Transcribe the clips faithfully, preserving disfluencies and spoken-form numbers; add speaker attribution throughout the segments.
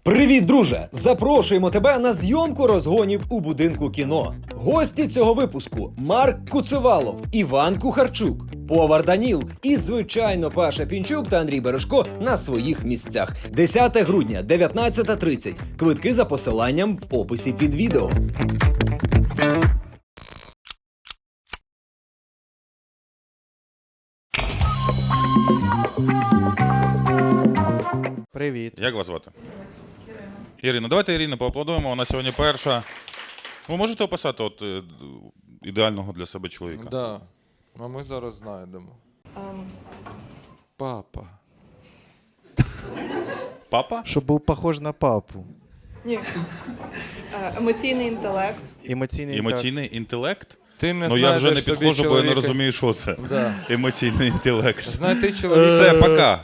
Speaker 1: Привіт, друже! Запрошуємо тебе на зйомку розгонів у будинку кіно. Гості цього випуску – Марк Куцевалов, Іван Кухарчук, повар Даніл і, звичайно, Паша Пінчук та Андрій Бережко на своїх місцях. десяте грудня, дев'ятнадцята тридцять. Квитки за посиланням в описі під відео.
Speaker 2: Привіт.
Speaker 3: Як вас звати? Ірина. Ірина, давайте Ірину поаплодуємо, вона сьогодні перша. Ви можете описати от, е, ідеального для себе чоловіка?
Speaker 4: Да. А ми зараз знайдемо.
Speaker 5: Um,
Speaker 4: Папа.
Speaker 3: Папа?
Speaker 2: Щоб був похож на папу.
Speaker 5: ні. Е, Емоційний інтелект.
Speaker 2: Емоційний
Speaker 3: Емоційний інтелект?
Speaker 4: Ти не
Speaker 3: Ну я вже не
Speaker 4: знайдеш собі
Speaker 3: підходжу, бо я не
Speaker 4: чоловіка.
Speaker 3: розумію, що це.
Speaker 4: Да.
Speaker 3: Емоційний інтелект.
Speaker 4: Знайти чоловіка.
Speaker 3: Все, пока.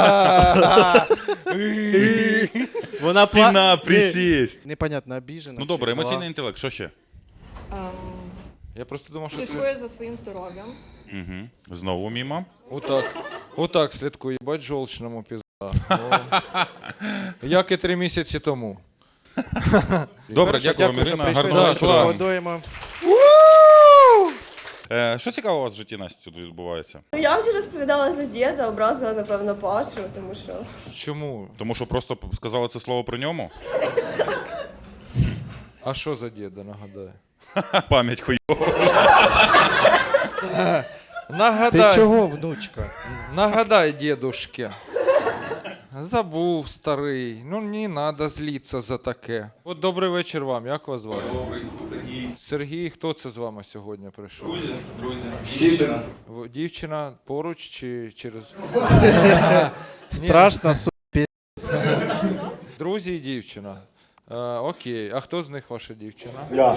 Speaker 2: Вона
Speaker 3: Спина, присість.
Speaker 2: Непонятно, обіжена.
Speaker 3: Ну добре,
Speaker 2: чи зла.
Speaker 3: емоційний інтелект, що ще?
Speaker 5: Ем,
Speaker 4: Я просто думав, що це...
Speaker 5: Слідкує за своїм здоров'ям.
Speaker 3: Угу. Знову мімо.
Speaker 4: Отак. Отак слідкує. Бать жовчному пізда. О. Як і три місяці тому.
Speaker 3: Добре,
Speaker 2: Хорошо,
Speaker 3: дякуємо,
Speaker 2: що
Speaker 3: Ірина.
Speaker 2: прийшли.
Speaker 3: Гарного
Speaker 4: Да,
Speaker 3: вечора.
Speaker 4: клас.
Speaker 2: Аплодуємо.
Speaker 3: Е, Що цікавого у вас в житті, Настя, тут відбувається?
Speaker 6: Ну, я вже розповідала за діда, образила, напевно, Пашу, тому що...
Speaker 4: Чому?
Speaker 3: Тому що просто сказали це слово при ньому?
Speaker 4: А що за діда, нагадаю?
Speaker 3: Пам'ять хуйова.
Speaker 2: Ти
Speaker 4: Нагадай.
Speaker 2: чого, внучка?
Speaker 4: Нагадай, дедушке. Забув, старий. Ну, не треба злитися за таке. От добрий вечір вам. Як вас звати?
Speaker 7: Добрий, Сергій.
Speaker 4: Сергій, хто це з вами сьогодні прийшов?
Speaker 7: Друзі, друзі. Дівчина.
Speaker 4: В- Дівчина поруч чи через...
Speaker 2: Страшно, су...
Speaker 4: Друзі і дівчина. Е, окей. А хто з них ваша дівчина?
Speaker 8: Я.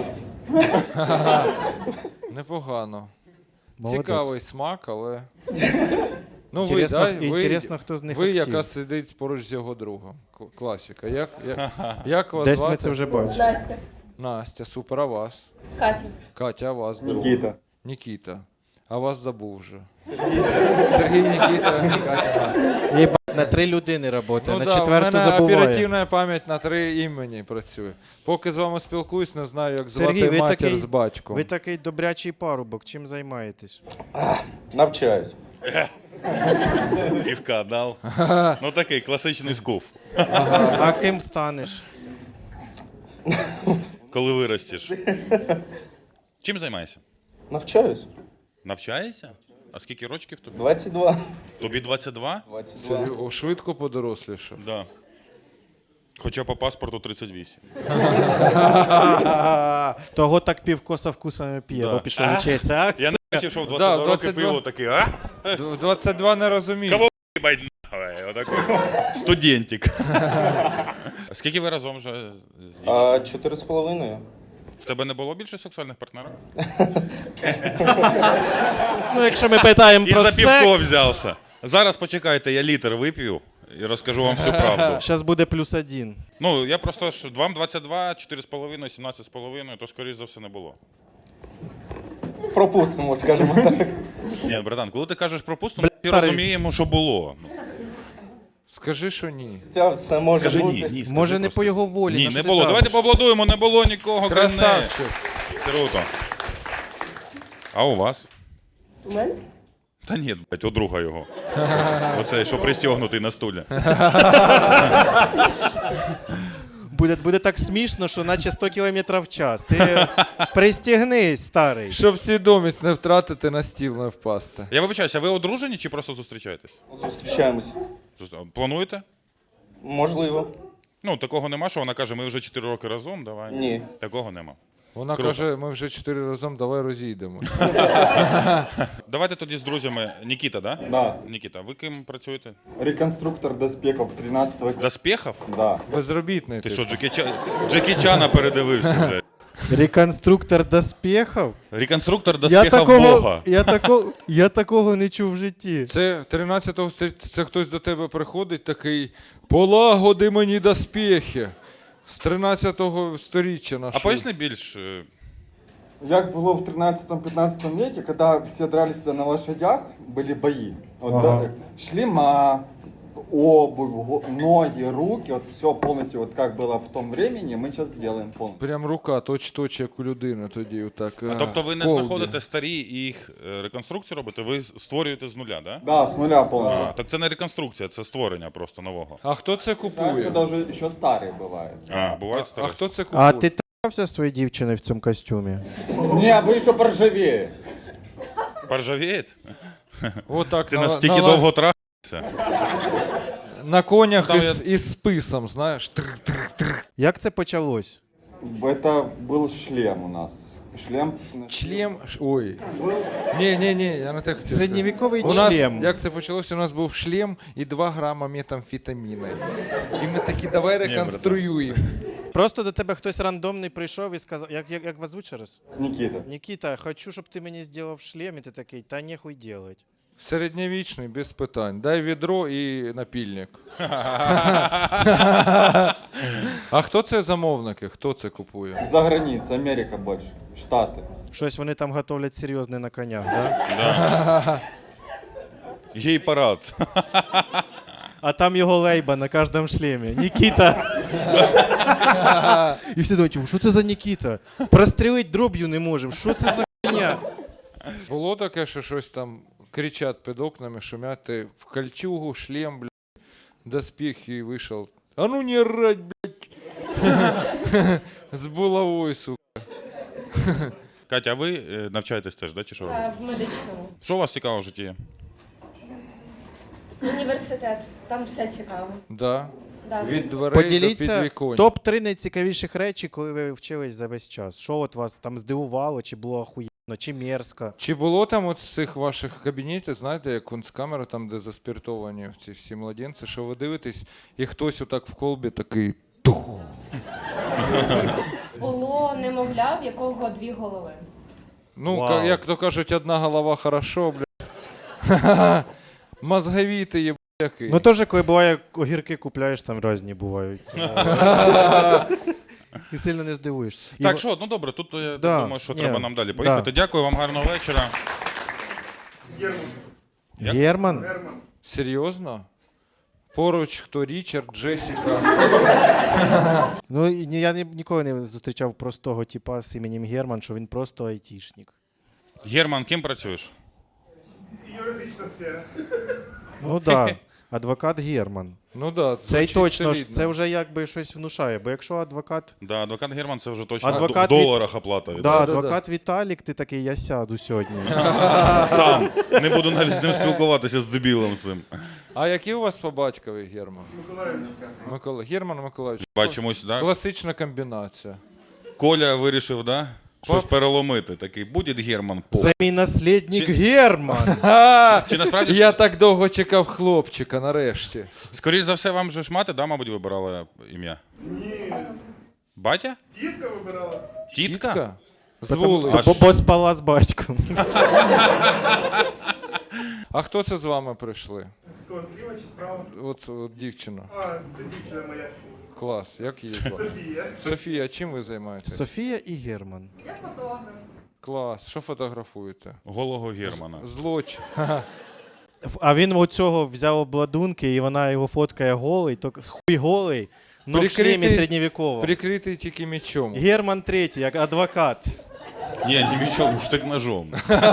Speaker 4: Непогано.
Speaker 2: Молодець.
Speaker 4: Цікавий смак, але... Ну ви,
Speaker 2: Інтересно,
Speaker 4: да? ви,
Speaker 2: інтересно, хто з них
Speaker 4: ви
Speaker 2: актив.
Speaker 4: яка сидить поруч з його другом. Кл- Класика. Як, як, як вас
Speaker 2: Десь
Speaker 4: звати?
Speaker 2: ми це вже бачили.
Speaker 6: Настя.
Speaker 4: Настя, супер, а вас?
Speaker 6: Катя.
Speaker 4: Катя, а вас? друг?
Speaker 8: Нікіта.
Speaker 4: Нікіта. А вас забув вже. Сергій, Нікіта, Катя, Настя.
Speaker 2: Єбать, на три людини працює,
Speaker 4: Ну
Speaker 2: на
Speaker 4: да,
Speaker 2: четверту
Speaker 4: у мене
Speaker 2: забуває.
Speaker 4: оперативна пам'ять на три імені працює. Поки з вами спілкуюсь, не знаю, як звати
Speaker 2: Сергій, ви
Speaker 4: матір
Speaker 2: такий-
Speaker 4: з батьком.
Speaker 2: Ви такий добрячий парубок, чим займаєтесь?
Speaker 8: Навчаюсь.
Speaker 3: Півка дав. Ну такий класичний скуф.
Speaker 2: А ким станеш?
Speaker 3: Коли виростеш. Чим займаєшся?
Speaker 8: Навчаюсь.
Speaker 3: Навчаєшся? А скільки рочків тобі?
Speaker 8: двадцять два.
Speaker 3: Тобі двадцять два?
Speaker 8: двадцять два.
Speaker 4: Серйо- О, швидко подорослішав.
Speaker 3: Да. Хоча по паспорту тридцять вісім.
Speaker 2: Того так півкоса вкусами п'є,
Speaker 3: Да.
Speaker 2: бо пішов вчитися. а?
Speaker 3: Я не бачив, що в двадцять
Speaker 4: Да,
Speaker 3: два роки
Speaker 4: двадцять два.
Speaker 3: пиво такий, а?
Speaker 4: Д- двадцять два не розумію.
Speaker 3: Кого їбать нахуй? Отакий студентик. Скільки ви разом вже? з дівчиною?
Speaker 8: А, чотири з половиною.
Speaker 3: В тебе не було більше сексуальних партнерів?
Speaker 2: Ну, якщо ми питаємо
Speaker 3: І
Speaker 2: про
Speaker 3: за півко
Speaker 2: секс,
Speaker 3: взявся. Зараз почекайте, я літр вип'ю і розкажу вам всю правду.
Speaker 2: зараз буде плюс один.
Speaker 3: Ну, я просто ж вам двадцять два, чотири з половиною, сімнадцять з половиною, то скоріш за все не було.
Speaker 8: Пропустимо, скажімо так.
Speaker 3: Ні, братан, коли ти кажеш пропустимо, ми
Speaker 2: старий.
Speaker 3: розуміємо, що було. Ну,
Speaker 4: Скажи, що ні.
Speaker 8: Це все може
Speaker 3: Скажи
Speaker 8: бути.
Speaker 3: ні, ні. скажи
Speaker 2: Може, не
Speaker 3: просто.
Speaker 2: по його волі.
Speaker 3: Ні,
Speaker 2: на що
Speaker 3: не
Speaker 2: ти
Speaker 3: було.
Speaker 2: давиш?
Speaker 3: Давайте поаплодуємо, не було нікого. крім неї.
Speaker 4: Красавчик.
Speaker 3: Круто. А у вас?
Speaker 6: Момент?
Speaker 3: Та ні, блядь, у друга його. Оцей, що пристягнутий на стулі.
Speaker 2: Буде, буде так смішно, що наче сто кілометрів в час. Ти пристігнись, старий.
Speaker 4: Щоб свідомість не втратити, на стіл не впасти.
Speaker 3: Я вибачаюся, а ви одружені чи просто зустрічаєтесь?
Speaker 8: Зустрічаємось.
Speaker 3: Зу- Плануєте?
Speaker 8: Можливо.
Speaker 3: Ну, такого нема, що вона каже, ми вже чотири роки разом, давай.
Speaker 8: Ні.
Speaker 3: Такого нема.
Speaker 4: Вона
Speaker 3: Круто.
Speaker 4: каже, ми вже чотири разом, давай розійдемо.
Speaker 3: Давайте тоді з друзями. Нікіта, да?
Speaker 8: Да.
Speaker 3: Нікіта, ви ким працюєте?
Speaker 8: Реконструктор доспехов тринадцятого.
Speaker 3: Доспехов?
Speaker 8: Да.
Speaker 4: Безробітний
Speaker 3: Ти
Speaker 4: типу.
Speaker 3: що, Джекі, Ча... Джекі Чана передивився, блядь?
Speaker 2: Реконструктор доспехів?
Speaker 3: Реконструктор
Speaker 2: Я
Speaker 3: доспехов
Speaker 2: такого,
Speaker 3: Бога.
Speaker 2: я, тако, я такого не чув в житті.
Speaker 4: Це тринадцятого століття, це хтось до тебе приходить такий, полагоди мені доспехи. З тринадцятого сторіччя
Speaker 3: А
Speaker 4: нашого.
Speaker 3: поясни більш. е,
Speaker 9: Як було в тринадцатом-пятнадцатом веке, когда все дрались на лошадях, были бои. Вот,
Speaker 2: Ага.
Speaker 9: да, шлема, обувь, го- ноги, руки, вот все полностью, вот как было в том времени, мы сейчас сделаем полностью.
Speaker 4: Прям рука точ-точ, як у людини тоді. Отак,
Speaker 3: А тобто ви не
Speaker 4: колді.
Speaker 3: знаходите старі і їх е, реконструкцію робите, ви створюєте з нуля, да?
Speaker 9: Да, с нуля полностью.
Speaker 3: А, так це не реконструкція, це створення просто нового.
Speaker 4: А хто це
Speaker 9: Так,
Speaker 4: купує?
Speaker 9: даже еще старые бывают.
Speaker 3: А, буває
Speaker 4: А
Speaker 3: старе.
Speaker 4: хто це купує?
Speaker 2: А ти трався своєю дівчиною в цьому костюмі?
Speaker 9: Не, вы еще поржавее.
Speaker 3: Поржавіє?
Speaker 4: Отак,
Speaker 3: Ти
Speaker 4: на,
Speaker 3: настільки
Speaker 4: на,
Speaker 3: довго трахався?
Speaker 4: на конях
Speaker 3: Там
Speaker 4: із,
Speaker 3: я-
Speaker 4: із списом, знаєш. Трик-трик-трик.
Speaker 2: Як це почалось?
Speaker 9: Это был шлем у нас. Шлем.
Speaker 4: Члем. ш- Ой. Ні, ні, ні, я не так хотів.
Speaker 2: Середньовіковий
Speaker 4: У нас,
Speaker 2: члем.
Speaker 4: як це почалося, у нас був шлем і два грама метамфетаміни. І ми такі, давай реконструюємо.
Speaker 2: Просто до тебе хтось рандомний прийшов і сказав, як, як, як вас звуть ще раз?
Speaker 9: Никита.
Speaker 2: Нікіта, хочу, щоб ти мені зробив шлем, і ти такий, та нехуй делать.
Speaker 4: Середньовічний, без питань. Дай відро і напільник. А хто це замовники? Хто це купує?
Speaker 9: За границей, Америка больше. Штаты.
Speaker 2: Щось вони там готовлять серйозне на конях, да?
Speaker 3: Да. Гей-парад.
Speaker 2: А там його лейба на кожному шлемі. Нікіта. І всі думають, що це за Нікіта? Прострілити дроб'ю не можемо. Що це за хуйня?
Speaker 4: Було таке, що щось там кричать під окнами, шумять, ти в кольчугу, шлем, блядь, доспіх і вийшов. А ну не рать, блядь. З булавою, сука.
Speaker 3: Катя, а ви е, навчаєтесь теж, да, чи що робите?
Speaker 10: В медичному.
Speaker 3: Що у вас цікаво в житті?
Speaker 10: Університет. Там все цікаво.
Speaker 4: Да.
Speaker 10: Да.
Speaker 4: Від дверей до
Speaker 2: Поділіться
Speaker 4: підвіконня.
Speaker 2: топ три найцікавіших речі, коли ви вчились за весь час. Що от вас там здивувало, чи було охуєнно, чи мерзко?
Speaker 4: Чи було там от з цих ваших кабінетів, знаєте, як кунсткамера, там, де заспіртовані ці всі младенці, що ви дивитесь, і хтось отак в колбі такий тух.
Speaker 10: Було немовля, в якого дві голови.
Speaker 4: Ну,
Speaker 2: Вау.
Speaker 4: ка- як то кажуть, одна голова хорошо, блядь. Мозговітий є, який.
Speaker 2: Ну теж, коли буває, огірки купляєш, там різні бувають. І сильно не здивуєшся. І
Speaker 3: Так,
Speaker 2: в-
Speaker 3: що, ну добре, тут я
Speaker 2: Да,
Speaker 3: думаю, що
Speaker 2: ні,
Speaker 3: треба нам далі
Speaker 2: да.
Speaker 3: поїхати. Дякую вам, гарного вечора. Як?
Speaker 2: Герман?
Speaker 4: Серйозно? Поруч хто Річард, Джесіка.
Speaker 2: Ну, і ні- я ні- ніколи не зустрічав простого типа з іменем Герман, що він просто айтішник.
Speaker 3: Герман, ким працюєш?
Speaker 7: Юридична сфера.
Speaker 2: Ну так, да. Адвокат Герман.
Speaker 4: Ну да,
Speaker 2: Це й
Speaker 4: звучить
Speaker 2: точно ж,
Speaker 4: солідно.
Speaker 2: це вже якби щось внушає, бо якщо адвокат.
Speaker 3: Да, адвокат Герман це вже точно
Speaker 2: Адвокат
Speaker 3: в
Speaker 2: від-
Speaker 3: доларах оплата.
Speaker 2: Да,
Speaker 3: йде.
Speaker 2: адвокат Віталік, ти такий, я сяду сьогодні.
Speaker 3: Сам. Не буду навіть з ним спілкуватися з дебілом цим.
Speaker 4: А які у вас по батькові, Герман? Микола. Герман Миколаївич.
Speaker 3: Бачимось, да?
Speaker 4: Класична комбінація.
Speaker 3: Коля вирішив, да? Щось
Speaker 4: Пап-
Speaker 3: переломити. Такий, буде Герман по.
Speaker 2: Це мій наслідник
Speaker 3: Чи-
Speaker 2: Герман.
Speaker 4: А,
Speaker 3: Чи насправді
Speaker 4: я так довго чекав хлопчика, нарешті.
Speaker 3: Скоріше за все, вам же ж мати, да, мабуть, вибирала ім'я? Ні. Батя?
Speaker 7: Тітка вибирала.
Speaker 3: Тітка?
Speaker 4: З вулиці.
Speaker 3: А
Speaker 2: Бо бо спала з батьком.
Speaker 4: А хто це з вами прийшли?
Speaker 7: Хто, зліва чи справа?
Speaker 4: От, от дівчина.
Speaker 7: А, це дівчина моя.
Speaker 4: Клас. Як її звати?
Speaker 7: Софія.
Speaker 4: Софія, чим ви займаєтесь?
Speaker 2: Софія і Герман.
Speaker 5: Я фотограф.
Speaker 4: Клас. Що фотографуєте?
Speaker 3: Голого Германа.
Speaker 4: Злочин.
Speaker 2: А він у цього взяв обладунки, і вона його фоткає голий, то хуй голий, но в
Speaker 4: Прикритий-
Speaker 2: шлемі середньовікового.
Speaker 4: Прикритий тільки мечом.
Speaker 2: Герман третій, як адвокат.
Speaker 3: Ні, не мічом, штик-ножом.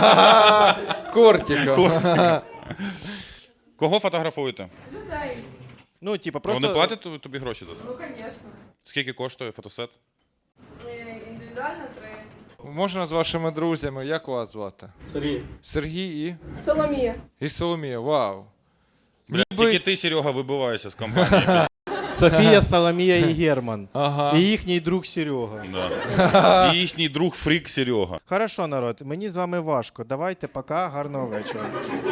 Speaker 4: Кортика.
Speaker 3: Кого фотографуєте?
Speaker 5: Людей.
Speaker 2: Ну, типа,
Speaker 3: Вони
Speaker 2: просто...
Speaker 3: платять тобі- тобі гроші за це?
Speaker 5: Ну, звісно.
Speaker 3: Скільки коштує фотосет?
Speaker 5: Індивідуально три.
Speaker 4: Можна з вашими друзями, як вас звати?
Speaker 8: Сергей.
Speaker 4: Сергій і?
Speaker 6: Соломія.
Speaker 4: І Соломія. Вау.
Speaker 3: Бля,
Speaker 4: Ніби-
Speaker 3: тільки ти, Серега, вибиваєшся з компанії.
Speaker 2: Софія, Соломія і Герман.
Speaker 4: Ага.
Speaker 2: І їхній друг Серега.
Speaker 3: Да. І їхній друг фрік Серега.
Speaker 2: Хорошо, народ, мені з вами важко. Давайте, пока, гарного вечора.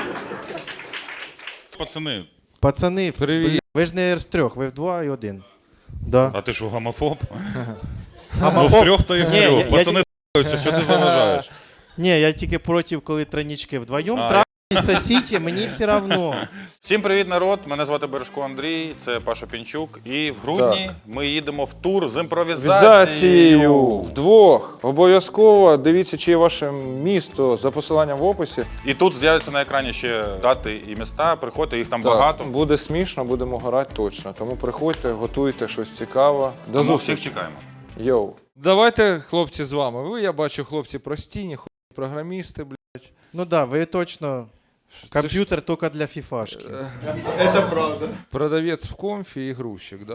Speaker 3: Пацани,
Speaker 2: Пацани,
Speaker 4: Привіт.
Speaker 2: блін, ви ж не з трьох, ви вдва і один. Да.
Speaker 3: а ти що, гомофоб?
Speaker 2: А
Speaker 3: Ну, в трьох то і в
Speaker 2: Ні, я-
Speaker 3: трьох.
Speaker 2: я
Speaker 3: Пацани т***ються, що ти заважаєш?
Speaker 2: Ні, я тільки проти, коли тройнички вдвоєм
Speaker 3: А,
Speaker 2: трахаються, сосіть, мені все одно.
Speaker 3: Всім привіт, народ! Мене звати Бережко Андрій, це Паша Пінчук. І в грудні ми їдемо в тур з імпровізацією.
Speaker 4: Імпровізацією вдвох. Обов'язково дивіться, чи є ваше місто за посиланням в описі.
Speaker 3: І тут з'являться на екрані ще дати і міста. Приходьте, їх там
Speaker 4: Так,
Speaker 3: багато.
Speaker 4: буде смішно, будемо грати точно. Тому приходьте, готуйте щось цікаве. До
Speaker 3: Тому
Speaker 4: зустрічі.
Speaker 3: всіх чекаємо.
Speaker 4: Йоу. Давайте, хлопці, з вами. Ви, я бачу, хлопці прості, ніхуя програмісти, блядь.
Speaker 2: Ну да, ви точно комп'ютер тільки для фіфашки.
Speaker 8: Это правда.
Speaker 4: Продавець в комфі і грузчик, да?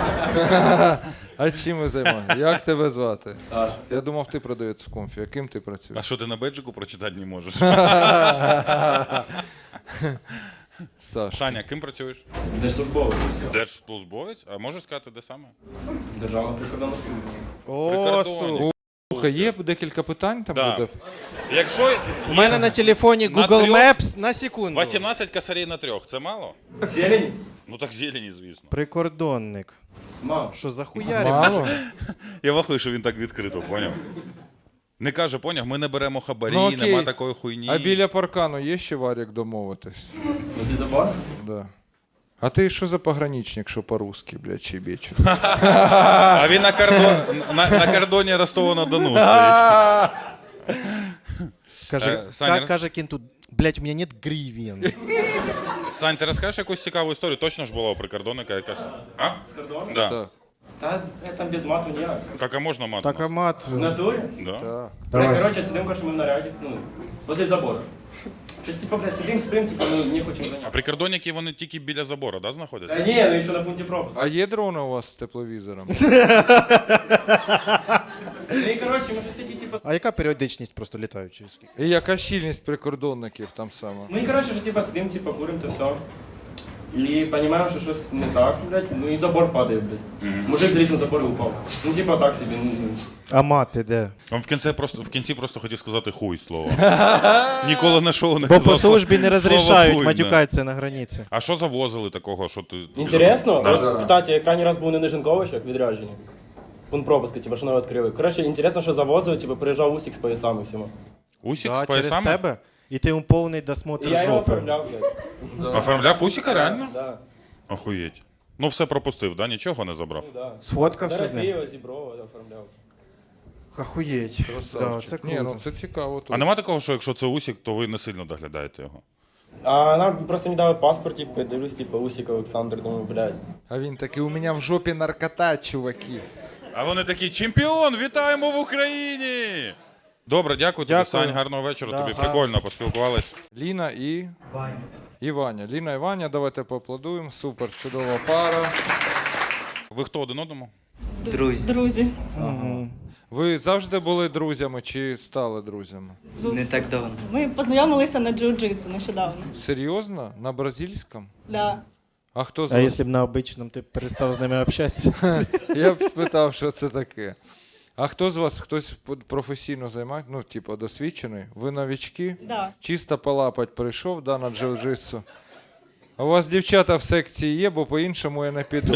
Speaker 4: А чим ви займаєтесь? Як тебе звати?
Speaker 8: Саша.
Speaker 4: Я думав, ти продавець в комфі. А ким ти працюєш?
Speaker 3: А що ти на беджику прочитати не можеш?
Speaker 4: Саш.
Speaker 3: Саня, ким працюєш?
Speaker 8: Держслужбовець.
Speaker 3: Держслужбовець? А можеш сказати, де саме?
Speaker 8: Державна прикордонна служба.
Speaker 2: О,
Speaker 3: Прикордонник.
Speaker 2: су.
Speaker 4: Слухай, є декілька питань там
Speaker 3: Да.
Speaker 4: буде?
Speaker 3: Якщо
Speaker 2: У мене на телефоні
Speaker 3: На
Speaker 2: Google
Speaker 3: трьох?
Speaker 2: Maps на секунду.
Speaker 3: вісімнадцять косарей на трьох, це мало?
Speaker 8: Зелень?
Speaker 3: Ну так зелені, звісно.
Speaker 2: Прикордонник.
Speaker 8: Мало.
Speaker 2: Що за хуярі?
Speaker 4: Мало?
Speaker 3: Я вахую, що він так відкрито, поняв? Не каже, поняв, ми не беремо хабарі,
Speaker 4: Ну, окей.
Speaker 3: нема такої хуйні.
Speaker 4: А біля паркану є ще варік домовитись?
Speaker 8: Возле забора?
Speaker 4: Да. А ти що за пограничник, що по-русски, блядь, чебечу?
Speaker 3: А він на, кордон, на, на кордоні Ростова-на-Дону стоїть.
Speaker 2: Каже,
Speaker 3: Е, Саня,
Speaker 2: ка- каже кінту, блядь, у мене нет гривен.
Speaker 3: Сань, ти розкажеш якусь цікаву історію? Точно ж була у прикордонника якась? А?
Speaker 8: С кордона?
Speaker 3: Да.
Speaker 4: Так.
Speaker 8: Та е, там без мату ніяк.
Speaker 3: Так, а можна мати?
Speaker 2: Так, а мат.
Speaker 8: В натурі?
Speaker 3: Да.
Speaker 4: Так.
Speaker 8: Бля, короче, сидим, короче, ми в наряді, ну, возле забора. Щось, типа, бля, сидим, спим, типа, ну, не хочемо
Speaker 3: А
Speaker 8: зайняти.
Speaker 3: прикордонники, вони тільки біля забору, да,
Speaker 8: Та
Speaker 3: знаходяться?
Speaker 8: ні, ну, ще на пункті пропуску.
Speaker 4: А є дрони у вас з тепловізором?
Speaker 8: Ну, і, короче, ми щось такі, типа,
Speaker 2: А яка періодичність просто літаючої?
Speaker 4: І яка щільність прикордонників там саме?
Speaker 8: ну, і, короче, вже, типа, сидим, типа, курим, то все. І розуміємо, що щось не так, блядь, ну, і забор падає, блядь. Мужик заліз на забор і упав. Ну, типа, так собі, ну, ну.
Speaker 2: А мати де?
Speaker 3: Він в кінці просто, в кінці просто хотів сказати хуй слово. Ніколи на шоу не
Speaker 2: Бо
Speaker 3: казав
Speaker 2: по службі не
Speaker 3: слово
Speaker 2: розрішають
Speaker 3: хуй, да.
Speaker 2: матюкатися на границі.
Speaker 3: А що завозили такого, що ти...
Speaker 11: Інтересно?
Speaker 3: Да.
Speaker 11: От, кстати, я крайній раз був не на Жінковичах, відрядженні. Пункт пропуску, типу, що нове відкрили. Коротше, інтересно, що завозили, типу, приїжджав Усік з поясами всіма.
Speaker 3: Усік
Speaker 2: Да,
Speaker 3: з
Speaker 2: через
Speaker 3: поясами?
Speaker 2: тебе? І ти йому повний
Speaker 11: І
Speaker 2: досмотр
Speaker 11: я його
Speaker 2: жопи.
Speaker 11: оформляв, блядь.
Speaker 3: Оформляв Усіка, реально?
Speaker 11: Да,
Speaker 3: Охуєть. Ну все пропустив, да? Нічого не забрав?
Speaker 11: ну, да.
Speaker 2: Сфоткався
Speaker 11: Зараз
Speaker 2: з ним?
Speaker 11: Києва, Зіброва оформляв.
Speaker 2: Охуєть. Да,
Speaker 4: Красавчик.
Speaker 2: це
Speaker 4: Ні, ну
Speaker 2: круто.
Speaker 4: це цікаво.
Speaker 3: А
Speaker 4: точно.
Speaker 3: нема такого, що якщо це Усік, то ви не сильно доглядаєте його?
Speaker 11: А нам просто не дали паспорт, типу, дивлюсь, типу, Усік Олександр, думаю, блядь.
Speaker 4: А він такий, у мене в жопі наркота, чуваки.
Speaker 3: А вони такі, чемпіон, вітаємо в Україні! Добре, дякую тобі,
Speaker 2: Дякую.
Speaker 3: Сань, гарного вечора,
Speaker 2: Да,
Speaker 3: тобі
Speaker 2: гарно.
Speaker 3: прикольно поспілкувались.
Speaker 4: Ліна і... І Ваня. Ліна і Ваня, давайте поаплодуємо. Супер, чудова пара.
Speaker 3: Ви хто один одному?
Speaker 6: Друзі.
Speaker 4: Ви завжди були друзями чи стали друзями?
Speaker 8: Не так давно.
Speaker 6: Ми познайомилися на джиу-джитсу нещодавно.
Speaker 4: Серйозно? На бразильському?
Speaker 6: Да.
Speaker 4: А хто з
Speaker 2: А
Speaker 4: вас?
Speaker 2: якщо б на обичному ти перестав з ними общатися?
Speaker 4: Я б спитав, що це таке. А хто з вас, хтось професійно займає, ну, типу, досвідчений? Ви новички?
Speaker 6: Да.
Speaker 4: Чисто полапать прийшов, да, на джиу-джитсу. А у вас дівчата в секції є, бо по-іншому я не піду.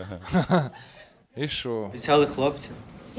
Speaker 4: І що?
Speaker 8: Обіцяли хлопці.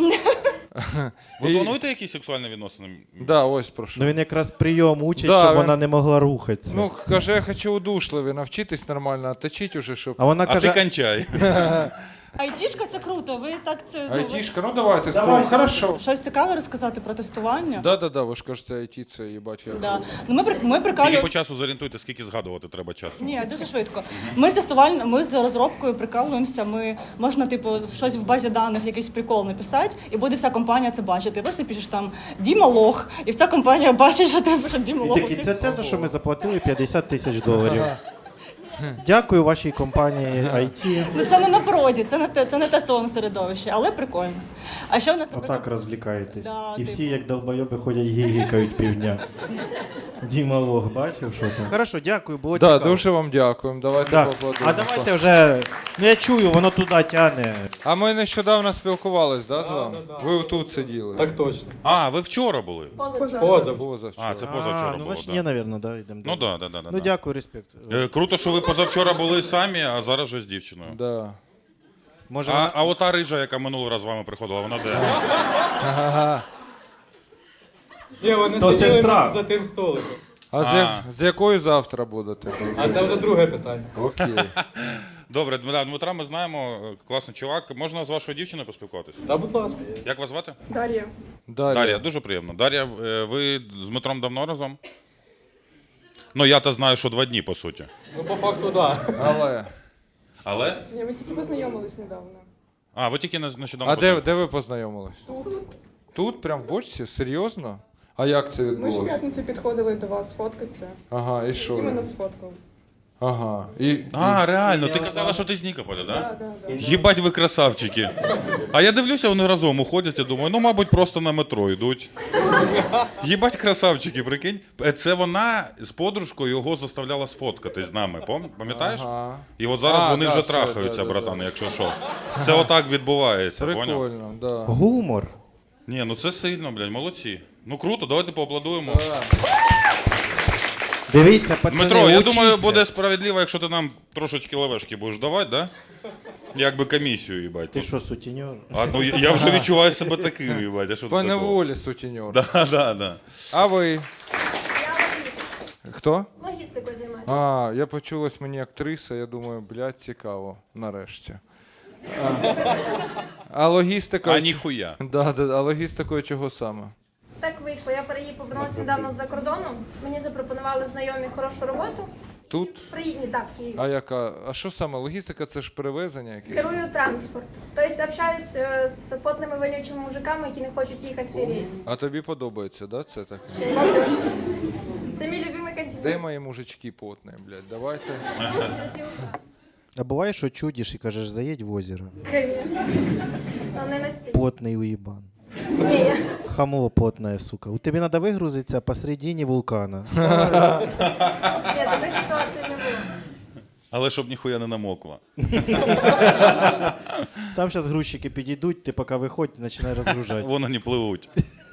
Speaker 3: Ви
Speaker 4: І-
Speaker 3: плануєте якісь сексуальні відносини?
Speaker 4: Да, ось про що.
Speaker 2: Ну він якраз прийом учить,
Speaker 4: Да,
Speaker 2: щоб
Speaker 4: він-
Speaker 2: вона не могла рухатися.
Speaker 4: Ну, каже, я хочу удушливі, навчитись нормально, а точить уже, щоб...
Speaker 2: А вона
Speaker 3: А ти
Speaker 2: каже,
Speaker 3: кончай.
Speaker 6: Айтішка це круто, ви так це... ну, ви-
Speaker 4: Айтішка, ну давайте спробуємо. Хорошо.
Speaker 6: Щось цікаве розказати про тестування?
Speaker 4: Да-да-да, ви ж кажете, айті це їбать як.
Speaker 6: Да. Ну, ми, при- ми
Speaker 3: Тільки
Speaker 6: прикалюємо...
Speaker 3: по часу зорієнтуйте, скільки згадувати треба часу.
Speaker 6: Ні, дуже швидко. Ми з тестуваль... ми з розробкою прикалуємося. Ми можна, типу, щось в базі даних, якийсь прикол написати, і буде вся компанія це бачити. Ти просто пишеш там Діма лох, і вся компанія бачить, що ти пишеш Діма
Speaker 2: і
Speaker 6: лох.
Speaker 2: такі, це те, за що ми заплатили п'ятдесят тисяч доларів. Дякую вашій компанії ай ті.
Speaker 6: Ну це не на проді, це не те, це не тестове середовище, але прикольно. А ще в нас
Speaker 2: Отак розвлікаєтесь.
Speaker 6: Да,
Speaker 2: І
Speaker 6: типу.
Speaker 2: всі, як долбойоби, ходять гігікають півдня. Діма Лох, бачив, що там? Хорошо, дякую, було
Speaker 4: Да,
Speaker 2: цікаво.
Speaker 4: дуже вам дякуємо. Давайте
Speaker 2: Да.
Speaker 4: поаплодуємо.
Speaker 2: А давайте вже. Ну я чую, воно туди тяне.
Speaker 4: А ми нещодавно спілкувались, да, з вами? Ви тут сиділи.
Speaker 11: Так точно.
Speaker 3: А, ви вчора були?
Speaker 11: Поза.
Speaker 4: Позавчора.
Speaker 3: А, це позавчора
Speaker 2: А, ну
Speaker 3: було,
Speaker 2: значить,
Speaker 3: да.
Speaker 2: ні, напевно, да, йдемо
Speaker 3: Ну
Speaker 2: далі.
Speaker 3: да, да, да, да.
Speaker 2: Ну
Speaker 3: да.
Speaker 2: дякую, респект.
Speaker 3: Е, Круто, що ви позавчора були самі, а зараз вже з дівчиною.
Speaker 4: Да.
Speaker 2: Може,
Speaker 3: А,
Speaker 2: вона...
Speaker 3: а ота рижа, яка минулий раз з вами приходила, вона де?
Speaker 11: Ні, вони
Speaker 2: То
Speaker 11: сиділи
Speaker 2: сестра.
Speaker 11: за тим столиком.
Speaker 4: А, з, я- з якою завтра будете?
Speaker 11: А це вже друге питання.
Speaker 4: Окей.
Speaker 3: Добре, Дмитра, Дмитра ми знаємо, е, класний чувак. Можна з вашою дівчиною поспілкуватися?
Speaker 11: Та, будь ласка.
Speaker 3: Як вас звати?
Speaker 5: Дар'я.
Speaker 4: Далі.
Speaker 3: Дар'я, дуже приємно. Дар'я, е, ви з Дмитром давно разом? Ну, я-то знаю, що два дні, по суті.
Speaker 11: Ну, по факту, так.
Speaker 4: Але.
Speaker 3: Але?
Speaker 5: Ні, ми тільки познайомились недавно.
Speaker 3: А, ви тільки не- нещодавно.
Speaker 4: А де,
Speaker 3: познайомились.
Speaker 4: де ви познайомились?
Speaker 5: Тут.
Speaker 4: Тут, прям в бочці? Серйозно? А як це
Speaker 5: Ми ж в
Speaker 4: відбулося?
Speaker 5: п'ятницю підходили до вас фоткатися.
Speaker 4: Ага, і що?
Speaker 5: І
Speaker 4: ви?
Speaker 5: мене сфоткав.
Speaker 4: Ага. І,
Speaker 3: А, реально, ти казала, що ти з Нікополя,
Speaker 5: Да,
Speaker 3: так?
Speaker 5: да, да.
Speaker 3: Їбать ви красавчики. А я дивлюся, вони разом уходять, я думаю, ну, мабуть, просто на метро йдуть. Їбать красавчики, прикинь. Е, Це вона з подружкою його заставляла сфоткатись з нами, пам- пам'ятаєш?
Speaker 4: Ага.
Speaker 3: І от зараз
Speaker 4: А,
Speaker 3: вони
Speaker 4: да,
Speaker 3: вже
Speaker 4: все,
Speaker 3: трахаються,
Speaker 4: да, да,
Speaker 3: братан,
Speaker 4: да.
Speaker 3: якщо що. Це отак відбувається, поняв?
Speaker 4: Прикольно, да.
Speaker 2: Гумор.
Speaker 3: Ні, ну це сильно, блядь, молодці. Ну круто, давайте поаплодуємо.
Speaker 4: Да.
Speaker 2: Дивіться, пацани,
Speaker 3: Дмитро, я
Speaker 2: учіться.
Speaker 3: думаю, буде справедливо, якщо ти нам трошечки левешки будеш давати, да? Якби комісію, їбать.
Speaker 2: Ти що, сутіньор?
Speaker 3: А, ну я я вже відчуваю себе таким, їбать. А що
Speaker 4: По
Speaker 3: тут такого?
Speaker 4: неволі, сутіньор.
Speaker 3: Да, да, да.
Speaker 4: А ви?
Speaker 10: Я логіст.
Speaker 4: Хто?
Speaker 10: Логістикою займаюся.
Speaker 4: А, я почулась мені актриса, я думаю, блядь, цікаво, нарешті. А, а логістика...
Speaker 3: А ніхуя.
Speaker 4: Да, да, а логістикою чого саме?
Speaker 10: Так вийшло. Я переїхав повернулася недавно з-за кордону. Мені запропонували знайомі хорошу роботу.
Speaker 4: Тут?
Speaker 10: Приїдні, так, в Києві.
Speaker 4: А яка? А що саме? Логістика це ж перевезення якесь?
Speaker 10: Керую транспорт. Тобто общаюсь е, з потними вонючими мужиками, які не хочуть їхати в свій рейс.
Speaker 4: А тобі подобається, да, це так?
Speaker 10: Ще й молодіж. Це мій любимий континент.
Speaker 4: Де мої мужички потні, блядь, давайте.
Speaker 2: А буває, що чудиш і кажеш, заїдь в озеро.
Speaker 10: Звісно. Але не настільки.
Speaker 2: Потний уїбан.
Speaker 10: Ні, я...
Speaker 2: Хамло потная, сука. У тебе треба вигрузитися посередині вулкана.
Speaker 10: Ні, такої ситуації не було.
Speaker 3: Але щоб ніхуя не намокла.
Speaker 2: Там зараз грузчики підійдуть, ти поки виходь, починай розгружати.
Speaker 3: Вони не пливуть.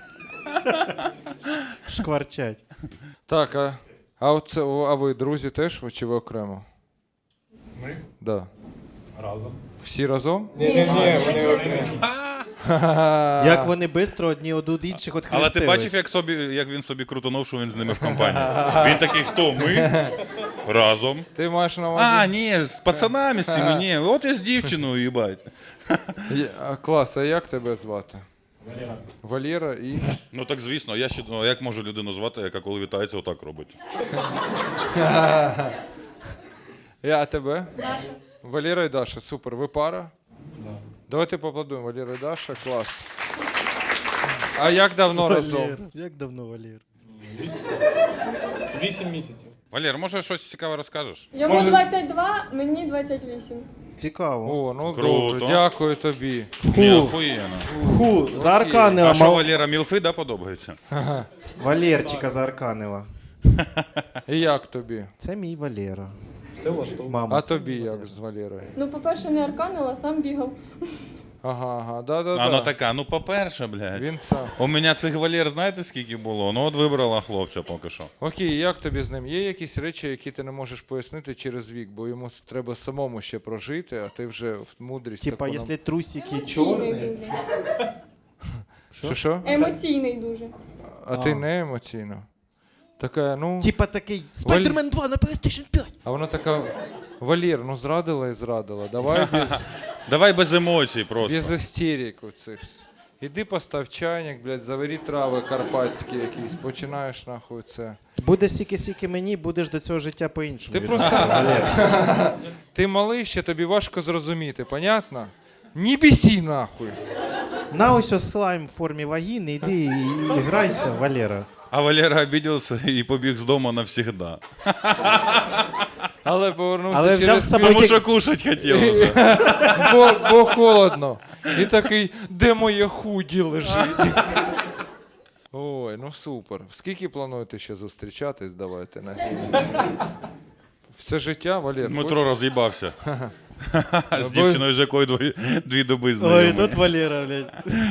Speaker 2: Шкварчать.
Speaker 4: Так, а, а, оце, а ви друзі теж чи ви окремо?
Speaker 8: Ми?
Speaker 4: Да.
Speaker 8: Разом.
Speaker 4: Всі разом?
Speaker 8: Ні, ні, ні,
Speaker 10: ми чотири.
Speaker 2: Як вони швидко одні од інших
Speaker 3: Але
Speaker 2: відхрестились.
Speaker 3: ти бачив, як, собі, як він собі крутонув, що він з ними в компанії? Він такий, хто? Ми? Разом.
Speaker 4: Ти маєш на увазі?
Speaker 3: А, ні, з пацанами з цими, ні. От і з дівчиною, їбать.
Speaker 4: Є- а, клас, а як тебе звати?
Speaker 8: Валера.
Speaker 4: Валера і...
Speaker 3: Ну так звісно, я ще ну, а як можу людину звати, яка коли вітається, отак робить?
Speaker 4: Я, а тебе?
Speaker 10: Даша.
Speaker 4: Валера і Даша, супер. Ви пара?
Speaker 8: Да.
Speaker 4: Давайте поаплодуємо. Валера і Даша, клас. А як давно разом?
Speaker 2: Валер. Як давно, Валер?
Speaker 8: Вісім місяців.
Speaker 3: Валер, може щось цікаве розкажеш?
Speaker 5: Йому
Speaker 8: Може-
Speaker 5: двадцять два, мені двадцять вісім.
Speaker 2: Цікаво.
Speaker 4: О, ну
Speaker 3: Круто.
Speaker 4: добре, дякую тобі.
Speaker 3: Ні, охуєнно.
Speaker 2: Ху, заарканила.
Speaker 3: А що,
Speaker 2: мал-
Speaker 3: Валера, мілфи, да, подобається?
Speaker 2: Валерчика заарканила.
Speaker 4: І як тобі?
Speaker 2: Це мій Валера.
Speaker 8: Все влаштовує.
Speaker 2: Мама.
Speaker 4: А тобі як з Валерою?
Speaker 5: Ну, по-перше, не арканила, сам бігав.
Speaker 4: Ага, ага, да-да-да.
Speaker 3: А ну така, ну по-перше, блядь.
Speaker 4: Він сам.
Speaker 3: У мене цих Валер, знаєте, скільки було? Ну от вибрала хлопця поки що.
Speaker 4: Окей, як тобі з ним? Є якісь речі, які ти не можеш пояснити через вік, бо йому с- треба самому ще прожити, а ти вже в мудрість
Speaker 2: Типа,
Speaker 4: таку нам-
Speaker 2: якщо трусики
Speaker 5: Емоційний
Speaker 2: чорні.
Speaker 5: дуже.
Speaker 4: Що, що?
Speaker 5: Емоційний дуже.
Speaker 4: А ти не емоційно? Така, ну...
Speaker 2: Типа такий Spider-Man два на PlayStation п'ять.
Speaker 4: А вона така, Валер, ну зрадила і зрадила, давай без,
Speaker 3: Давай без емоцій просто.
Speaker 4: без істерик оцих. Іди постав чайник, блядь, заварі трави карпатські якісь, починаєш нахуй це.
Speaker 2: Буде стільки-стільки мені, будеш до цього життя по-іншому.
Speaker 4: Ти
Speaker 2: відноситися,
Speaker 4: просто-
Speaker 2: Валер.
Speaker 4: Ти малий ще, тобі важко зрозуміти, понятно? Не бісі нахуй.
Speaker 2: На ось ось слайм в формі вагіни, йди і, і грайся, Валера.
Speaker 3: А Валера обідався і побіг з дому навсігда.
Speaker 4: Але повернувся
Speaker 2: Але взяв
Speaker 4: через
Speaker 2: з собою
Speaker 3: Тому
Speaker 2: ті-
Speaker 3: що кушать хотів вже.
Speaker 4: бо, бо холодно. І такий, де моє худі лежить? Ой, ну супер. Скільки плануєте ще зустрічатись? Давайте на все життя, Валер.
Speaker 3: Дмитро роз'їбався. З
Speaker 4: Або-
Speaker 3: дівчиною, з якою дві, дві доби знайомий.
Speaker 2: Ой, тут Валера, блядь.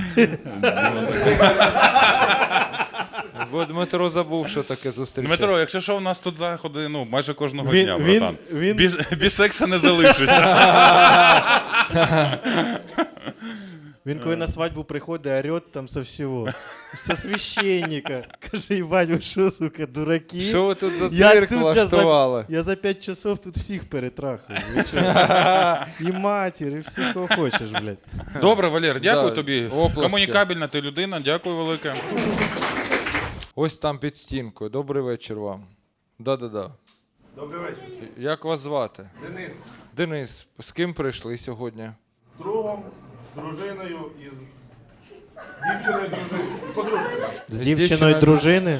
Speaker 4: Бо Дмитро забув, що таке зустрічати.
Speaker 3: Дмитро, якщо що, у нас тут заходи ну, майже кожного
Speaker 2: Він-
Speaker 3: дня,
Speaker 2: він-
Speaker 3: братан.
Speaker 2: він-
Speaker 3: Без, без секса не залишишся.
Speaker 2: Він коли на свадьбу приходить, орет там со всього. Со священника. Каже, їбать, ви що, сука, дураки?
Speaker 4: Що ви тут за
Speaker 2: Я
Speaker 4: цирк
Speaker 2: тут щас за-
Speaker 4: влаштували?
Speaker 2: Я за п'ять часов тут всіх перетрахую. Ви чого? І матір, і всіх, кого хочеш, блядь.
Speaker 3: Добре, Валер, дякую
Speaker 4: Да,
Speaker 3: тобі.
Speaker 4: оплески.
Speaker 3: Комунікабельна ти людина, дякую велике.
Speaker 4: Ось там під стінкою. Добрий вечір вам. Да-да-да.
Speaker 7: Добрий вечір.
Speaker 4: Як вас звати?
Speaker 7: Денис.
Speaker 4: Денис, з ким прийшли сьогодні?
Speaker 7: З другом, з дружиною і з дівчиною дружиною. Подружкою.
Speaker 2: З
Speaker 4: дівчиною
Speaker 2: дівчиною дружини.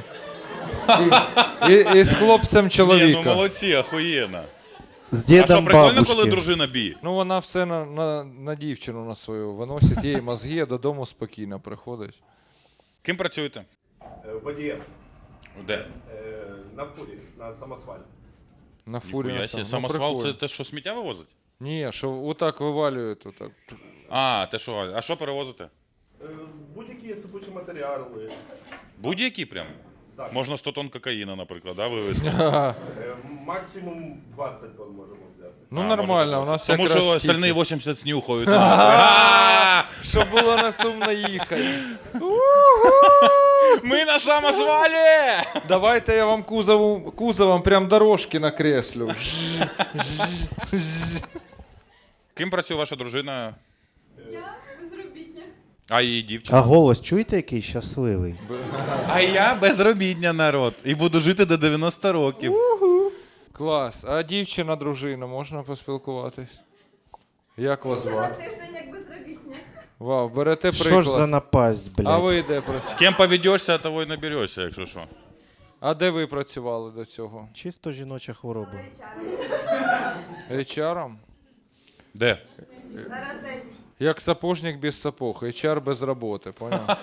Speaker 4: І, і з хлопцем
Speaker 3: Ні,
Speaker 4: чоловіка.
Speaker 3: ну молодці, охуєнно.
Speaker 2: З
Speaker 3: А що,
Speaker 2: дідом
Speaker 3: прикольно,
Speaker 2: бабушки.
Speaker 3: коли дружина бі?
Speaker 4: Ну вона все на, на, на дівчину на свою виносить, їй мозги, а додому спокійно приходить.
Speaker 3: Ким працюєте?
Speaker 7: Водієм.
Speaker 3: Де?
Speaker 7: На фурі, на самосвалі.
Speaker 4: На фурі
Speaker 3: Ніхуя
Speaker 4: на
Speaker 3: себе.
Speaker 4: сам- ну,
Speaker 3: Самосвал це
Speaker 4: прикольно.
Speaker 3: те, що сміття вивозить?
Speaker 4: Ні, що отак вивалюють. Отак.
Speaker 3: А, те що, а що перевозите?
Speaker 7: Будь-які сипучі матеріали.
Speaker 3: Будь-які прям?
Speaker 7: Так.
Speaker 3: Можна сто тонн кокаїна, наприклад, да, вивезти?
Speaker 7: Максимум двадцять тонн можемо взяти.
Speaker 4: Ну
Speaker 3: А,
Speaker 4: нормально, у
Speaker 3: можна
Speaker 4: нас
Speaker 3: Тому
Speaker 4: якраз
Speaker 3: що
Speaker 4: стільки.
Speaker 3: остальні вісімдесят снюхають. А!
Speaker 4: Щоб було не сумно їхати.
Speaker 3: Ми на самосвалі!
Speaker 4: Давайте я вам кузову, кузовом прям дорожки накреслю.
Speaker 3: Ким працює ваша дружина?
Speaker 5: Я безробітня.
Speaker 3: А її дівчина?
Speaker 2: А голос чуєте, який щасливий?
Speaker 3: А я безробітня народ. І буду жити до дев'яноста років.
Speaker 4: Клас. А дівчина, дружина, можна поспілкуватись? Як вас звати?
Speaker 10: Тиждень як безробітня.
Speaker 4: Вау, берете
Speaker 2: Що ж за
Speaker 4: приклад.
Speaker 2: напасть, блядь?
Speaker 4: А ви де працювали?
Speaker 3: З ким поведешся, того й наберешся, якщо що.
Speaker 4: А де ви працювали до цього?
Speaker 2: Чисто жіноча хвороба.
Speaker 4: ейч ар-ом?
Speaker 3: Де?
Speaker 4: Як сапожник без сапог, ейч ар без роботи, поняв?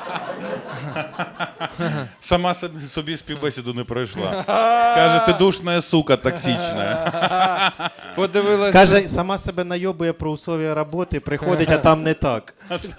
Speaker 3: Сама собі, собі співбесіду не пройшла. Каже, ти душна сука токсична.
Speaker 4: Подивилась.
Speaker 2: Каже, сама себе найобує про условия роботи, приходить, а там не так.
Speaker 10: До речі,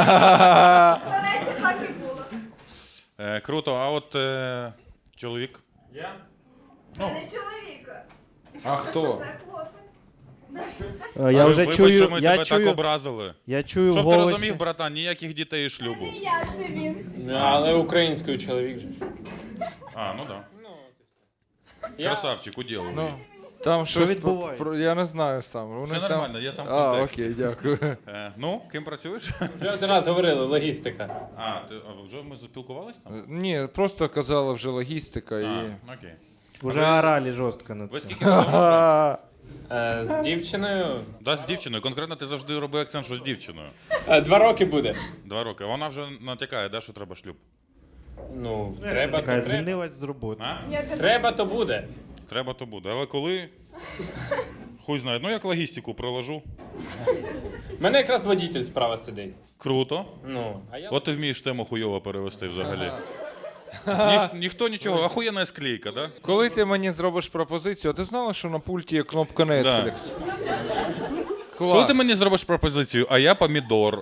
Speaker 10: так і було.
Speaker 3: Е, круто, а от е, чоловік?
Speaker 8: Я?
Speaker 10: Не чоловіка,
Speaker 4: А хто?
Speaker 10: це хлопець.
Speaker 2: Е, Я
Speaker 3: А,
Speaker 2: вже
Speaker 3: вибач,
Speaker 2: чую,
Speaker 3: що ми
Speaker 2: я
Speaker 3: тебе так
Speaker 2: чую,
Speaker 3: образили.
Speaker 2: я чую в
Speaker 3: Щоб ти
Speaker 2: голосі.
Speaker 3: розумів, братан, ніяких дітей і шлюбу.
Speaker 10: Не я, це він.
Speaker 8: Але українською чоловік же.
Speaker 3: А, ну так.
Speaker 8: Ну,
Speaker 3: Да. Красавчик, уділ.
Speaker 4: Ну, там щось
Speaker 2: відбувається?
Speaker 4: про- я не знаю сам. Вони
Speaker 3: Все
Speaker 4: там...
Speaker 3: нормально, я там в
Speaker 4: А,
Speaker 3: контексті.
Speaker 4: окей, дякую.
Speaker 3: Е, ну, ким працюєш?
Speaker 8: вже один раз говорили, логістика.
Speaker 3: А, ти, а вже ми заспілкувались там?
Speaker 4: Ні, просто казала вже логістика і.
Speaker 3: А, окей.
Speaker 2: Уже орали жорстко на
Speaker 3: Ви
Speaker 2: це.
Speaker 3: скільки разом?
Speaker 8: Е, з дівчиною.
Speaker 3: Да, з дівчиною. Конкретно ти завжди роби акцент, що з дівчиною.
Speaker 8: Е, два роки буде.
Speaker 3: Два роки. Вона вже натякає, да, що треба шлюб.
Speaker 8: Ну, треба,
Speaker 2: Така
Speaker 8: то треба.
Speaker 2: звільнилась з роботи.
Speaker 3: А?
Speaker 8: Треба, то буде.
Speaker 3: Треба, то буде. Але коли? Хуй знає. Ну, як логістику проложу.
Speaker 8: У мене якраз водитель справа сидить.
Speaker 3: Круто.
Speaker 8: Ну, а я...
Speaker 3: От ти вмієш тему хуйово перевести взагалі. Ні, ніхто нічого, ахуєнна склейка, да?
Speaker 4: Коли ти мені зробиш пропозицію, а ти знала, що на пульті є кнопка Netflix? Клас.
Speaker 3: Коли ти мені зробиш пропозицію, а я помідор.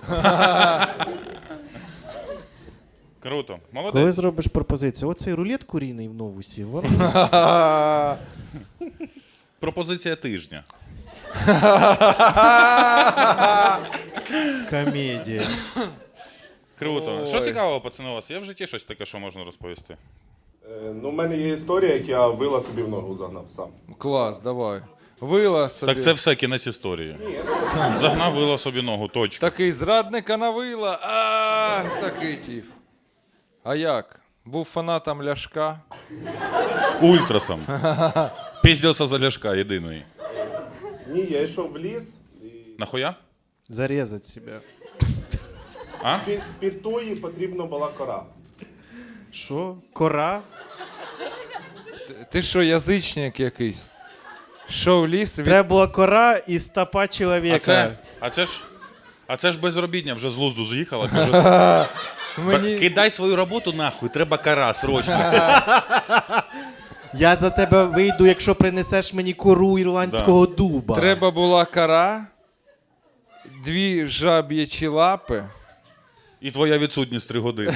Speaker 3: Круто. Молодець.
Speaker 2: Коли зробиш пропозицію, оцей рулет курійний в новусі, вон.
Speaker 3: Пропозиція тижня.
Speaker 2: Комедія.
Speaker 3: Круто.
Speaker 4: Ой.
Speaker 3: Що цікавого, пацани, у вас? Є в житті щось таке, що можна розповісти?
Speaker 7: Ну, в мене є історія, як я вила собі в ногу загнав сам.
Speaker 4: Клас, давай. Вила собі.
Speaker 3: Так це все кінець історії. Загнав вило собі ногу, точка.
Speaker 4: Такий зрадника навила. А, такий тіп. А як? Був фанатом Ляшка.
Speaker 3: Ультрасом. Піздився за Ляшка, єдиний.
Speaker 7: Ні, я йшов в ліс, і
Speaker 3: Нахуя?
Speaker 2: Зарізати себе.
Speaker 3: А?
Speaker 7: під, під тої потрібна була кора.
Speaker 2: Що? Кора?
Speaker 4: Ти- Ти що, язичник якийсь? Що в ліс? Від...
Speaker 2: Треба була кора і стопа
Speaker 3: А
Speaker 2: чоловіка.
Speaker 3: це, а це ж, а це ж безробітня вже з лузду з'їхала. Каже,
Speaker 4: Мені...
Speaker 3: кидай свою роботу нахуй, треба кара, срочно.
Speaker 2: Я за тебе вийду, якщо принесеш мені кору ірландського дуба.
Speaker 4: Треба була кара, дві жаб'ячі лапи.
Speaker 3: І твоя відсутність три години.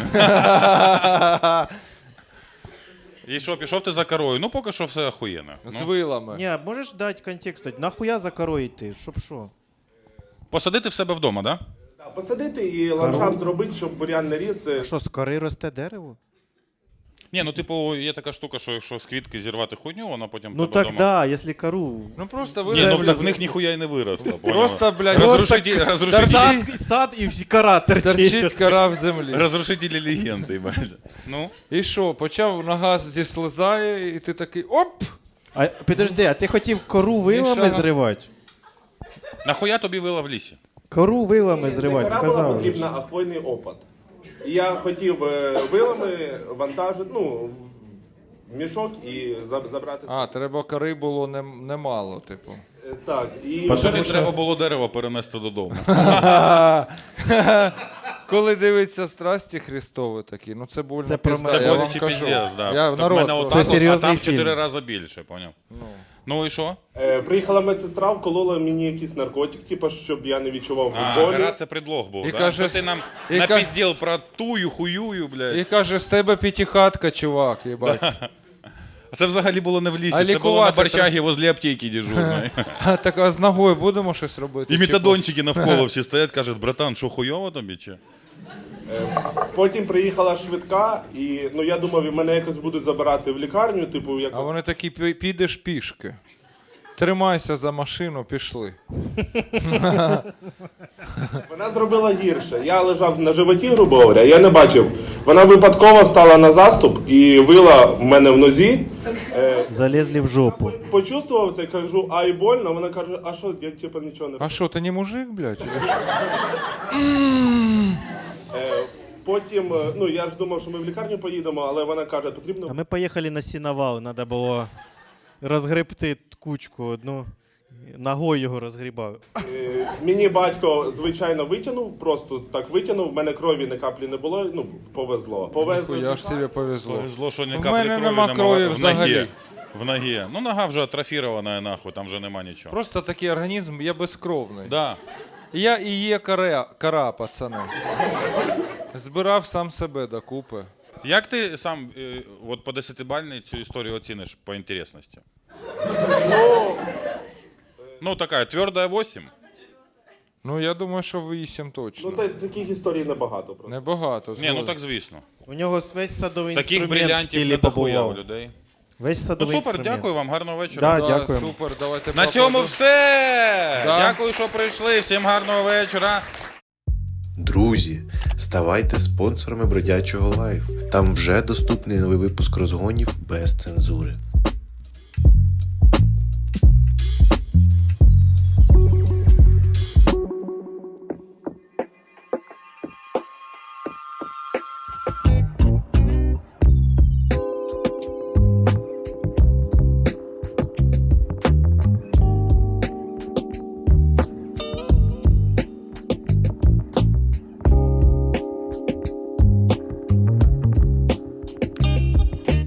Speaker 3: І що, пішов ти за корою? Ну, поки що все охуєнно.
Speaker 4: З
Speaker 3: Ну,
Speaker 4: вилами.
Speaker 2: Ні, можеш дати контекст? Нахуя за корою йти? Щоб що?
Speaker 3: посадити в себе вдома, да?
Speaker 7: Посадити і ландшафт зробити, щоб бур'ян не ріс.
Speaker 2: А що, з кори росте дерево?
Speaker 3: Ні, ну типу, є така штука, що якщо з квітки зірвати хуйню, вона потім
Speaker 2: Ну
Speaker 3: тебе
Speaker 2: так
Speaker 3: дома...
Speaker 2: да, якщо кору.
Speaker 4: Ну просто
Speaker 3: Ні, ну
Speaker 4: ви
Speaker 3: так в них ніхуя й не виросло.
Speaker 4: Просто, блядь,
Speaker 3: розрушитель, розрушитель,
Speaker 2: Сад, сад і всі кора
Speaker 4: торчить
Speaker 2: торчить.
Speaker 4: кора в землі.
Speaker 3: розрушителі легенди, бать. Ну,
Speaker 4: І що, почав нога зіслизає, і ти такий оп!
Speaker 2: А підожди, а ти хотів кору вилами
Speaker 4: Мішана.
Speaker 2: зривати?
Speaker 3: нахуя тобі вила в лісі?
Speaker 2: Кору вилами зривати,
Speaker 7: Не кора була
Speaker 2: сказав.
Speaker 7: потрібна, а хвойний опад. І я хотів е, вилами вантажити, ну, в мішок і за- забрати.
Speaker 4: А, треба кори було нем- немало, типу.
Speaker 7: Е, Так, і
Speaker 3: По суті, треба було дерево перенести додому.
Speaker 4: Коли дивиться страсті Христові такі, ну це больно.
Speaker 2: Це про
Speaker 4: пізда,
Speaker 2: мене.
Speaker 3: Це
Speaker 4: я вам
Speaker 3: боляче
Speaker 4: кажу.
Speaker 3: піздець, да.
Speaker 4: Я
Speaker 3: Так
Speaker 4: народ
Speaker 3: в мене
Speaker 4: просто-
Speaker 3: отак
Speaker 2: Це
Speaker 3: от,
Speaker 2: серйозний
Speaker 3: а там в чотири
Speaker 2: фільм.
Speaker 3: рази більше, поняв? Ну і що?
Speaker 7: е, приїхала медсестра, вколола мені якийсь наркотик, типу, щоб я не відчував
Speaker 3: А,
Speaker 7: болі.
Speaker 3: гара це предлог був,
Speaker 4: І
Speaker 3: да?
Speaker 4: каже,
Speaker 3: Що ти нам
Speaker 4: і ка-
Speaker 3: напізділ про тую, хуюю, блядь.
Speaker 4: І каже, з тебе п'ятихатка, чувак, їбать.
Speaker 3: А це взагалі було не в лісі,
Speaker 4: А
Speaker 3: це було на
Speaker 4: лікувати
Speaker 3: Борчагі возле аптеки дежурної.
Speaker 4: А так а з ногою будемо щось робити?
Speaker 3: І
Speaker 4: Чи
Speaker 3: метадончики навколо всі стоять, кажуть, братан, що хуйово тобі чи?
Speaker 7: Потім приїхала швидка, і ну я думав, мене якось будуть забирати в лікарню, типу,
Speaker 4: А
Speaker 7: якось.
Speaker 4: вони такі, «Пі- підеш пішки. Тримайся за машину, пішли.
Speaker 7: Вона зробила гірше. Я лежав на животі, грубо говоря, я не бачив. Вона випадково стала на заступ і вила в мене в нозі. Е,
Speaker 2: Залізли в жопу.
Speaker 7: почувствував це, кажу, ай больно. Вона каже, а що, я типу нічого не
Speaker 4: А що, ти не мужик, блядь?
Speaker 7: Е, потім, е, ну я ж думав, що ми в лікарню поїдемо, але вона каже,
Speaker 2: А
Speaker 7: потрібно.
Speaker 2: ми поїхали на сіновал, треба було розгребти кучку одну. Ногою його розгрібав.
Speaker 7: Е, мені батько, звичайно, витягнув, просто так витягнув. В мене крові ні каплі не було, ну повезло. Повезли.
Speaker 4: Я ж собі повезло.
Speaker 3: Повезло, що ні
Speaker 4: В
Speaker 3: каплі
Speaker 4: мене
Speaker 3: крові
Speaker 4: нема
Speaker 3: нема
Speaker 4: крові
Speaker 3: в
Speaker 4: взагалі.
Speaker 3: ногі. В ногі. Ну нога вже атрофірована, нахуй, там вже нема нічого.
Speaker 4: Просто такий організм, я безкровний.
Speaker 3: Да.
Speaker 4: Я і є кора, кора, пацани. Збирав сам себе докупи.
Speaker 3: Як ти сам е, от по десятибальній цю історію оціниш по інтересності? Ну, така, твердая вісім.
Speaker 4: Ну, я думаю, що вісім
Speaker 7: Ну
Speaker 4: точно.
Speaker 7: та, таких історій небагато просто.
Speaker 4: Небагато.
Speaker 3: Ні, ну
Speaker 4: згоден.
Speaker 3: так звісно.
Speaker 2: У нього весь садовий
Speaker 3: Таких
Speaker 2: інструмент в
Speaker 3: брилянтів
Speaker 2: тілі
Speaker 3: не дохуя у
Speaker 2: побував.
Speaker 3: людей.
Speaker 2: Весь
Speaker 3: Ну
Speaker 2: садовий
Speaker 3: супер,
Speaker 2: інструмент.
Speaker 3: дякую вам, гарного вечора.
Speaker 2: Да,
Speaker 4: Да,
Speaker 2: дякуємо.
Speaker 4: супер, давайте
Speaker 3: На цьому
Speaker 4: поаплодуємо.
Speaker 3: все!
Speaker 4: Да.
Speaker 3: Дякую, що прийшли. Всім гарного вечора.
Speaker 12: Друзі, ставайте спонсорами Бродячого Лайф. Там вже доступний новий випуск розгонів без цензури.